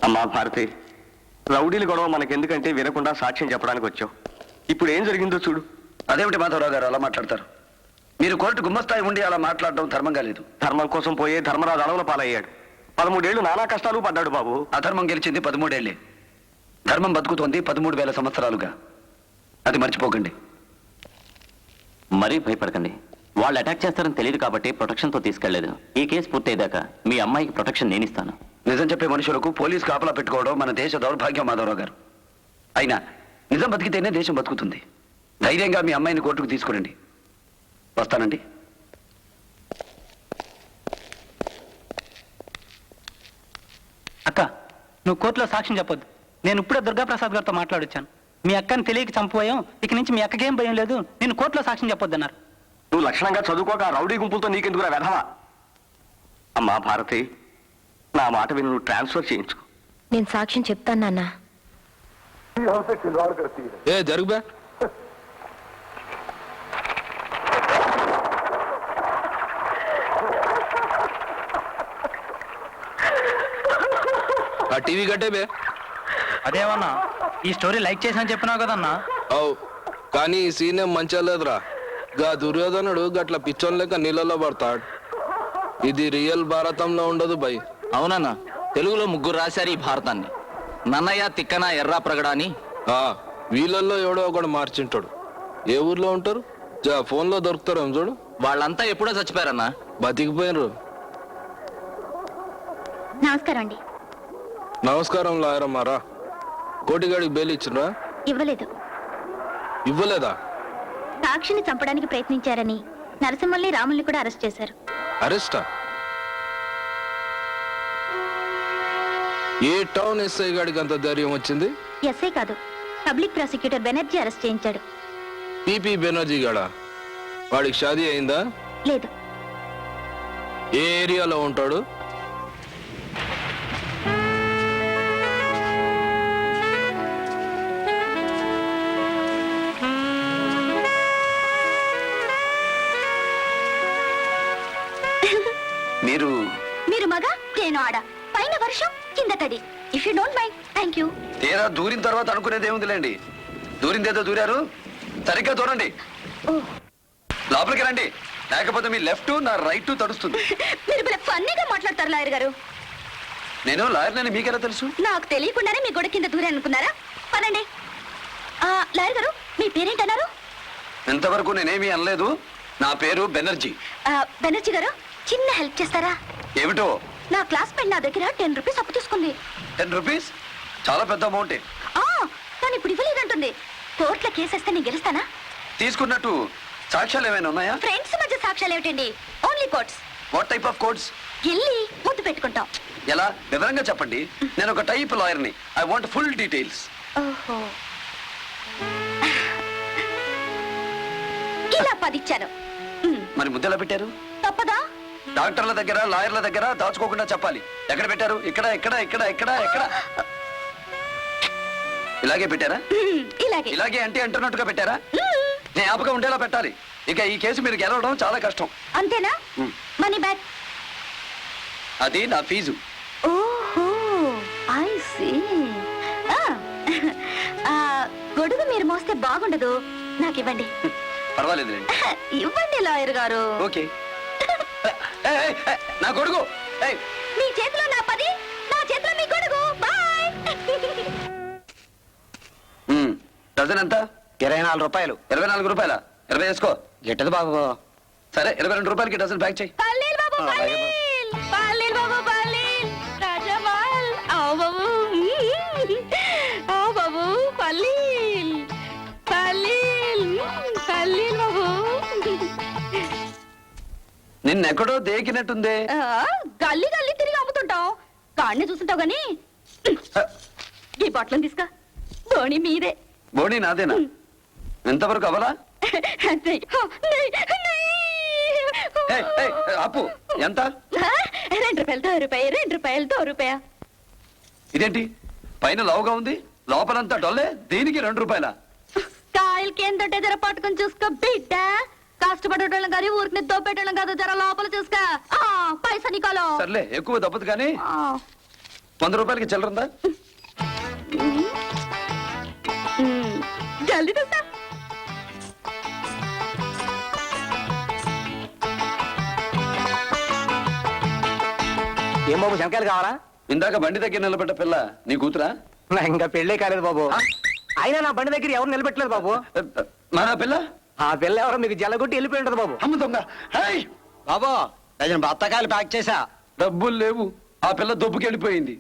అమ్మా భారతి, రౌడీల గొడవ మనకెందుకంటే వినకుండా సాక్ష్యం చెప్పడానికి వచ్చావు. ఇప్పుడు ఏం జరిగిందో చూడు. అదేమిటి మాధవరావు గారు అలా మాట్లాడతారు? మీరు కోర్టు గుమ్మస్తాయి ఉండి అలా మాట్లాడడం ధర్మంగా లేదు. ధర్మం కోసం పోయే ధర్మరాజు అడవుల పాలయ్యాడు. 13 ఏళ్ళు నానా కష్టాలు పడ్డాడు బాబు. అధర్మం గెలిచింది 13 ఏళ్లే. ధర్మం బతుకుతోంది 13,000 సంవత్సరాలుగా. అది మర్చిపోకండి. మరీ భయపడకండి. వాళ్ళు అటాక్ చేస్తారని తెలియదు కాబట్టి ప్రొటెక్షన్తో తీసుకెళ్లేదు. ఈ కేసు పూర్తయ్యాక మీ అమ్మాయికి ప్రొటెక్షన్ నేను ఇస్తాను. నిజం చెప్పే మనుషులకు పోలీసు కాపలా పెట్టుకోవడం మన దేశ దౌర్భాగ్యం మాధవరావు గారు. అయినా నిజం బతికితేనే దేశం బతుకుతుంది. ధైర్యంగా మీ అమ్మాయిని కోర్టుకు తీసుకురండి. వస్తానండి. అక్క, నువ్వు కోర్టులో సాక్ష్యం చెప్పొద్దు. నేను ఇప్పుడే దుర్గాప్రసాద్ గారితో మాట్లాడొచ్చాను. మీ అక్కని తెలియక చంపుపోయాం. ఇక నుంచి మీ అక్కకేం భయం లేదు. నేను కోర్టులో సాక్ష్యం చెప్పొద్దన్నారు. నువ్వు లక్షణంగా చదువుకోక రౌడీ గుంపులతో నీకెందుకురా వెధవా? అమ్మా భారతి, నా మాట విని నువ్వు ట్రాన్స్ఫర్ చేయించుకో. నేను సాక్ష్యం చెప్తాను నాన్న. ఏ జరుగుబా. ఆ టీవీ కట్టే బే. అదేమన్నా ఈ స్టోరీ లైక్ చేసాను చెప్పినావు కదన్నా. అవు, కానీ ఈ సీన్ ఏం మంచిగా లేదురా. గా దుర్యోధనుడు గట్ల పిచ్చోన్ లెక్క నీళ్ళలో పడతాడు. ఇది రియల్ భారతంలో ఉండదు బై. అవునన్నా, తెలుగులో 3 రాశారు ఈ భారతాన్ని. నన్నయ్య, తిక్కన, ఎర్రా ప్రగడ అని. వీళ్ళల్లో ఎవడో ఒకడు మార్చింటాడు. ఏ ఊర్లో ఉంటారు? ఫోన్లో దొరుకుతారు చూడు. వాళ్ళంతా ఎప్పుడో చచ్చిపోయారన్నా. బతికిపోయినరు. నమస్కారం అండి. నమస్కారం లాయరమ్మారా. కోటిగాడికి బెయిల్ ఇచ్చినరా? ఇవ్వలేదు. ఇవ్వలేదా? సాక్షిని చంపడానికి ప్రయత్నించారని నరసింహల్ని, రాముల్ని కూడా అరెస్ట్ చేశారు. అరెస్టా? ఏ టౌన్ ఎస్ఐ గాడికి అంత ధైర్యం వచ్చింది? ఎస్ఐ కాదు, పబ్లిక్ ప్రాసిక్యూటర్ బెనర్జీ అరెస్ట్ చేయించాడు. పిపి బెనర్జీ గాడా? వాడికి షాదీ అయిందా? లేదు. ఏ ఏరియాలో ఉంటాడు? మీరు మగ, నేను ఆడ. పైన వర్షం, కింద తడి. If you don't mind, thank you. తీరా దూరిన తర్వాత అనుకునేది ఏముందిలేండి. దూరిందేదో దూరారు. సరిగ్గా దూరండి. లోపలికి రండి, లేకపోతే మీ లెఫ్ట్ నా రైట్ తడుస్తుంది. మీరు ఫన్నీగా మాట్లాడతారు లాయర్ గారు. నేను లాయర్నని మీకెలా తెలుసు? నాకు తెలియకుండానే మీ గొడవ కింద దూరే అనుకున్నారా? పనండి. లాయర్ గారు, మీ పేరేంటన్నారు? ఇంతవరకు నేనేమీ అనలేదు. నా పేరు బెనర్జీ. బెనర్జీ గారు, చిన్న హెల్ప్ చేస్తారా? ఏమిటో? నా క్లాస్మేట్ నా దగ్గర 10 రూపీస్ అప్పు తీసుకుంది. 10 రూపీస్? చాలా పెద్ద అమౌంటే. కానీ ఇప్పుడు ఇవ్వలేదంటుంది. కోర్టులో కేసేస్తే నేను గెలుస్తానా? తీసుకున్నట్టు సాక్ష్యాలు ఏమైనా ఉన్నాయా? ఫ్రెండ్స్ మధ్య సాక్ష్యాలు ఏమిటండి? Only courts. What type of codes? వెళ్ళి ముద్దు పెట్టుకుంటాం. ఎలా? వివరంగా చెప్పండి. నేను ఒక టైప్ లాయర్ని. I want full details. ఓహో, ఇలా 10 ఇచ్చాను. మరి ముద్ద ఎలా పెట్టారు? తప్పదా? డాక్టర్ల దగ్గర, లాయర్ల దగ్గర దాచుకోకుండా చెప్పాలి. ఎక్కడ పెట్టారు? ఇక్కడ ఇక్కడ ఇక్కడ ఇక్కడ ఎక్కడ? ఇలాగే పెట్టారా? ఇలాగే. ఇలాగే అంటే అంటున్నట్టుగా పెట్టారా? జ్ఞాపకం ఉండేలా పెట్టాలి. ఇక ఈ కేసు మీరు గెలవడం చాలా కష్టం. అంతేనా? Money back. అది నా ఫీజు. ఓహో, ఐ సీ. గొడుగు మీరు మోస్తే బాగుండదు, నాకు ఇవ్వండి. పర్వాలేదులేండి. ఇవ్వండి లాయర్ గారు. ఓకే. నా గొడుగు. మీ చేతిలో నా 10, నా చేతిలో మీ గొడుగు. బాయ్. డజన్ ఎంత? 24 రూపాయలు. 24 రూపాయల? 20 వేసుకో. గిట్టదు బాబు. సరే, 22 రూపాయలకి డజన్ ప్యాక్ చేయి. పల్లీల్ బాబు, పల్లీల్. పల్లీల్ బాబు, పల్లీల్. రాజమాల్. ఆవు బాబు. ఆవు బాబు, పల్లీల్. పల్లీల్. పల్లీల్ బాబు. నిన్నెక్కడో దేకినట్టుందే. గల్లీ గల్లీ తిరిగి అమ్ముతుంటాం. కాడిని చూస్తుంటావు గాని ఈ బట్టలను తీసుకా. బోణి మీదే. బోణి నాదేనా? ఎంతవరకు అవలా? అప్పు ఎంత? 2 రూపాయలు, 2 రూపాయలు, 2 రూపాయ. ఇదేంటి పైన లావుగా ఉంది, లోపలంతా డొల్లే? దీనికి 2 రూపాయల? కాయలకి ఏం దొడ్డే జర పట్టుకొని చూసుకో బిడ్డ. కష్టపడేటోళ్ళం కానీ ఊరికి దోపేటోళ్ళం కాదు. జర లోపల చూసుకో. పైసా నీకోలో. సర్లే, ఎక్కువ దప్పదు కానీ 100 రూపాయలకి చిల్లరుందా? జల్దీ తెస్తా. ఏం బాబు శంకాయలు కావాలా? ఇందాక బండి దగ్గర నిలబడ్డ పిల్ల నీ కూతురా? నా ఇంకా పెళ్ళే కాలేదు బాబు. అయినా నా బండి దగ్గర ఎవరు నిలబెట్టలేదు బాబు. మన పిల్ల ఆ పిల్ల ఎవరో మీకు జల్లగొట్టి వెళ్ళిపోయి ఉంటది బాబు. అమ్మ దొంగ. హేయ్! బాబు బత్తకాయలు ప్యాక్ చేసా. డబ్బులు లేవు. ఆ పిల్ల దొబ్బుకెళ్ళిపోయింది.